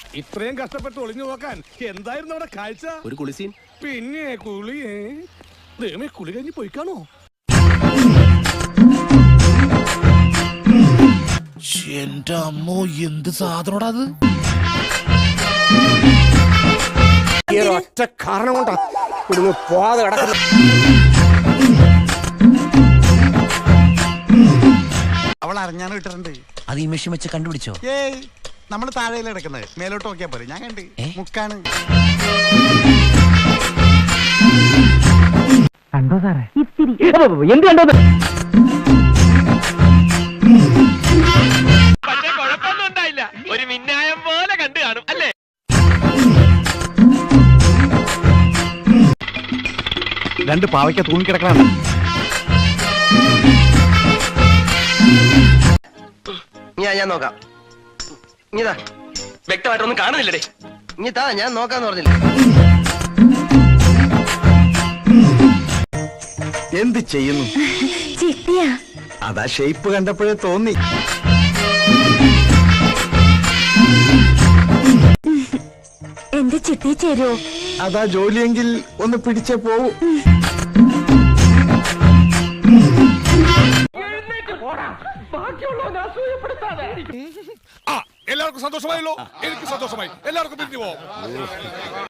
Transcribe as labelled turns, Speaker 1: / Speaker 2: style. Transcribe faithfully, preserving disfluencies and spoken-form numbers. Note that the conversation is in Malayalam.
Speaker 1: ഇത്രയും കഷ്ടപ്പെട്ട് ഒളിഞ്ഞു നോക്കാൻ എന്തായിരുന്നു അവിടെ കാഴ്ച?
Speaker 2: ഒരു കുളിസീൻ.
Speaker 1: പിന്നെ കുളിയേ ദൈവമേ, കുളി കഴിഞ്ഞ് പോയിക്കാണോ?
Speaker 3: എന്റെ അമ്മോ, എന്ത് സാധനോടാ അത്?
Speaker 2: ഒറ്റ കാരണം കൊണ്ടാ ഇവിടുന്ന് പോവാതെ കിടക്കുന്നു.
Speaker 4: അവൾ അറിഞ്ഞാണ് കിട്ടുന്നുണ്ട്.
Speaker 3: അത് ഈ മെഷീൻ വെച്ച് കണ്ടുപിടിച്ചോ?
Speaker 4: ഏയ്, നമ്മള് താഴെയിൽ കിടക്കുന്നത്, മേലോട്ട് നോക്കിയാ പോലെ. ഞാൻ കണ്ട് മുക്കാണ്.
Speaker 5: കണ്ടോ സാറേ? ഇത്തിരി എന്ത് കണ്ടോ?
Speaker 6: പക്ഷെ കുഴപ്പമൊന്നും ഉണ്ടായില്ല. ഒരു മിന്നായം പോലെ കണ്ടു കാണും അല്ലേ?
Speaker 4: രണ്ട് പാവയ്ക്ക തൂങ്ങിക്കിടക്കണം.
Speaker 7: ഞാൻ ഞാൻ നോക്കാം. ഇതാ
Speaker 6: വ്യക്തമായിട്ടൊന്നും കാണുന്നില്ലടേ.
Speaker 7: ഇനി താ, ഞാൻ നോക്കാന്ന് പറഞ്ഞില്ല.
Speaker 4: എന്ത് ചെയ്യുന്നു?
Speaker 8: ചിട്ടിയാ.
Speaker 4: അതാ ഷേപ്പ് കണ്ടപ്പോഴേ തോന്നി.
Speaker 8: എന്റെ ചിട്ടി ചേരുവോ?
Speaker 4: അതാ ജോലിയെങ്കിൽ ഒന്ന് പിടിച്ചേ പോവൂ.
Speaker 1: എല്ലാവർക്കും സന്തോഷമായല്ലോ? എനിക്ക് സന്തോഷമായി. എല്ലാവർക്കും പിരിഞ്ഞു പോവാം.